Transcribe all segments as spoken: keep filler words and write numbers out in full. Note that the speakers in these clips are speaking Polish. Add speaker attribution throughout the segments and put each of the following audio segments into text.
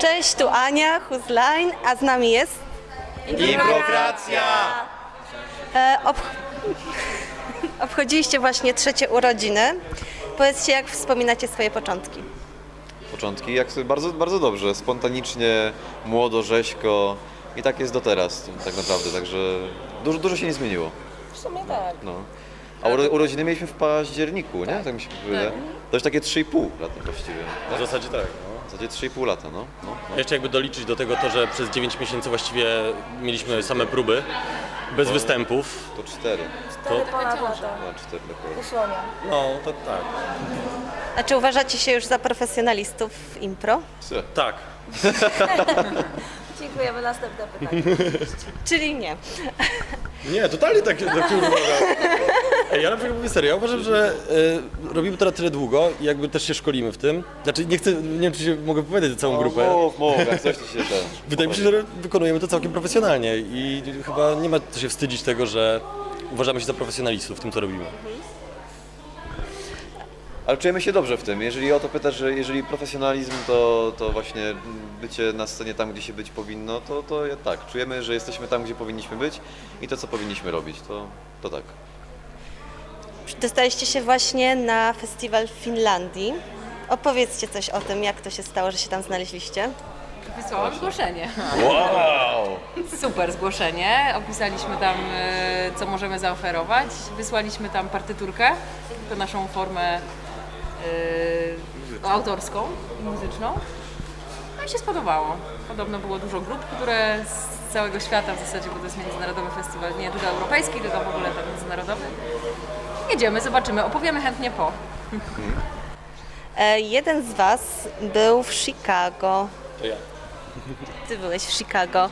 Speaker 1: Cześć, tu Ania, Huzline, a z nami jest...
Speaker 2: Improkracja!
Speaker 1: E, ob... Obchodziliście właśnie trzecie urodziny. Powiedzcie, jak wspominacie swoje początki?
Speaker 2: Początki, jak sobie bardzo, bardzo dobrze, spontanicznie, młodo, rzeźko i tak jest do teraz tak naprawdę, także dużo, dużo się nie zmieniło.
Speaker 3: W sumie tak.
Speaker 2: No. A uro, urodziny mieliśmy w październiku, nie? Tak mi się wydaje. To już takie trzy i pół lata właściwie.
Speaker 4: W zasadzie tak.
Speaker 2: W zasadzie trzy i pół lata, no. no, no.
Speaker 4: Jeszcze jakby doliczyć do tego to, że przez dziewięć miesięcy właściwie mieliśmy same próby, bez występów.
Speaker 2: To cztery.
Speaker 4: To,
Speaker 3: Ponad lata.
Speaker 2: No, cztery dokładnie.
Speaker 3: Usłonia.
Speaker 4: no to tak.
Speaker 1: A czy uważacie się już za profesjonalistów w impro?
Speaker 2: Psy.
Speaker 4: Tak.
Speaker 3: Dziękujemy. Następne pytanie.
Speaker 1: Czyli nie.
Speaker 4: Nie, totalnie tak, tak się uważam. Ej, ja na przykład mówię serio, ja uważam, że y, robimy to na tyle długo i jakby też się szkolimy w tym. Znaczy nie chcę, nie wiem czy się mogę powiedzieć za całą grupę.
Speaker 2: Mów, mów, jak coś to się ten.
Speaker 4: Wydaje mi się, że wykonujemy to całkiem profesjonalnie i chyba nie ma co się wstydzić tego, że uważamy się za profesjonalistów w tym, co robimy.
Speaker 2: Ale czujemy się dobrze w tym. Jeżeli o to pytasz, że jeżeli profesjonalizm to, to właśnie bycie na scenie tam, gdzie się być powinno, to, to ja tak. Czujemy, że jesteśmy tam, gdzie powinniśmy być i to, co powinniśmy robić, to, to tak.
Speaker 1: Dostaliście się właśnie na festiwal w Finlandii. Opowiedzcie coś o tym, jak to się stało, że się tam znaleźliście.
Speaker 5: Wysłałam zgłoszenie.
Speaker 2: Wow!
Speaker 5: Super zgłoszenie. Opisaliśmy tam, e, co możemy zaoferować. Wysłaliśmy tam partyturkę, to naszą formę e, autorską i muzyczną. No i się spodobało. Podobno było dużo grup, które z całego świata w zasadzie, bo to jest międzynarodowy festiwal, nie tylko europejski, tylko w ogóle tak międzynarodowy. Jedziemy, zobaczymy, opowiemy chętnie po.
Speaker 1: E, jeden z Was był w Chicago.
Speaker 4: To ja.
Speaker 1: Ty byłeś w Chicago.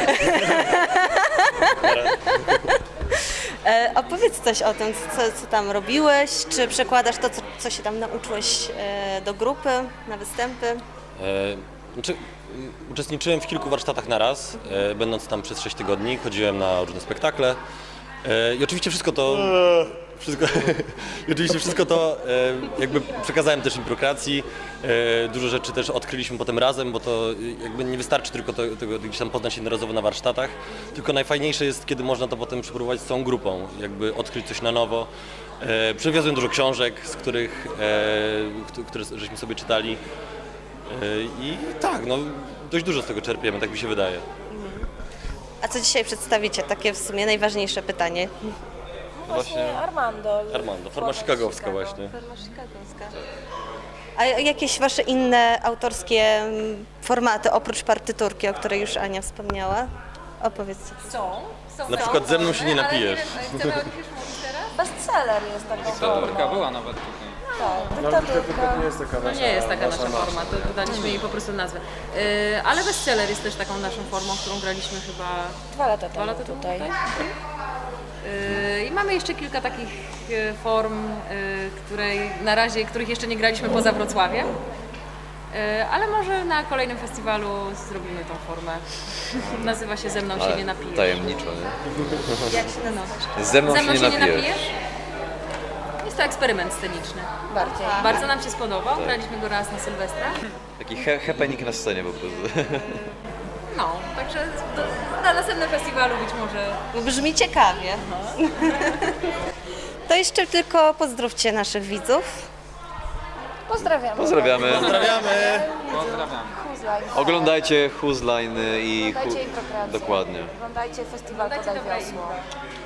Speaker 1: e, opowiedz coś o tym, co, co tam robiłeś, czy przekładasz to, co, co się tam nauczyłeś e, do grupy, na występy?
Speaker 4: E, znaczy, m, uczestniczyłem w kilku warsztatach na raz, e, będąc tam przez sześć tygodni, chodziłem na różne spektakle e, i oczywiście wszystko to, wszystko, i oczywiście wszystko to e, jakby przekazałem też improkracji, e, dużo rzeczy też odkryliśmy potem razem, bo to jakby nie wystarczy tylko to, tego gdzieś tam poznać jednorazowo na warsztatach, tylko najfajniejsze jest, kiedy można to potem przeprowadzić z całą grupą, jakby odkryć coś na nowo. E, Przywiozłem dużo książek, z których, e, które żeśmy sobie czytali. I tak, no dość dużo z tego czerpiemy, tak mi się wydaje.
Speaker 1: A co dzisiaj przedstawicie? Takie w sumie najważniejsze pytanie.
Speaker 3: Właśnie Armando.
Speaker 4: Armando, forma chicagowska
Speaker 3: Chicago.
Speaker 4: właśnie.
Speaker 1: Forma chicagowska. A jakieś Wasze inne autorskie mm, formaty, oprócz partyturki, o której już Ania wspomniała? Opowiedzcie.
Speaker 5: Są. są
Speaker 4: Na przykład ze mną się nie napijesz.
Speaker 5: Chcemy o nich już mówić teraz?
Speaker 3: Bestseller jest taką
Speaker 6: Dyktaturka
Speaker 3: formą.
Speaker 6: była nawet tutaj.
Speaker 3: Tak, dyktaturka.
Speaker 5: To nie jest taka nasza forma, to daliśmy jej po prostu nazwę. Yy, ale bestseller jest też taką naszą formą, którą graliśmy chyba
Speaker 3: Dwa lata
Speaker 5: dwa
Speaker 3: temu
Speaker 5: lata temu
Speaker 3: tutaj.
Speaker 5: tutaj. Yy, I mamy jeszcze kilka takich yy, form, yy, której, na razie, których jeszcze nie graliśmy poza Wrocławiem. Yy, ale może na kolejnym festiwalu zrobimy tą formę. Nazywa się Ze mną się
Speaker 2: Ale
Speaker 5: nie napijesz.
Speaker 2: tajemniczo, nie?
Speaker 1: Jak się nazywa?
Speaker 2: Ze mną,
Speaker 5: Ze mną
Speaker 2: się nie napijesz.
Speaker 5: Jest to eksperyment sceniczny.
Speaker 3: Bardziej.
Speaker 5: Bardzo nam się spodobał, graliśmy go raz na Sylwestra.
Speaker 2: Taki he happening na scenie po prostu.
Speaker 5: No, także do, na następnym festiwalu być może.
Speaker 1: Brzmi ciekawie. To jeszcze tylko pozdrówcie naszych widzów.
Speaker 3: Pozdrawiamy.
Speaker 2: Pozdrawiamy.
Speaker 4: Pozdrawiamy!
Speaker 6: Pozdrawiam.
Speaker 3: Huzline.
Speaker 2: Oglądajcie Huzline i
Speaker 3: Oglądajcie
Speaker 2: Hu-
Speaker 3: improkrację.
Speaker 2: Dokładnie.
Speaker 3: Oglądajcie festiwal Podaj
Speaker 5: Oglądajcie dobre
Speaker 3: Wiosło.
Speaker 5: impro.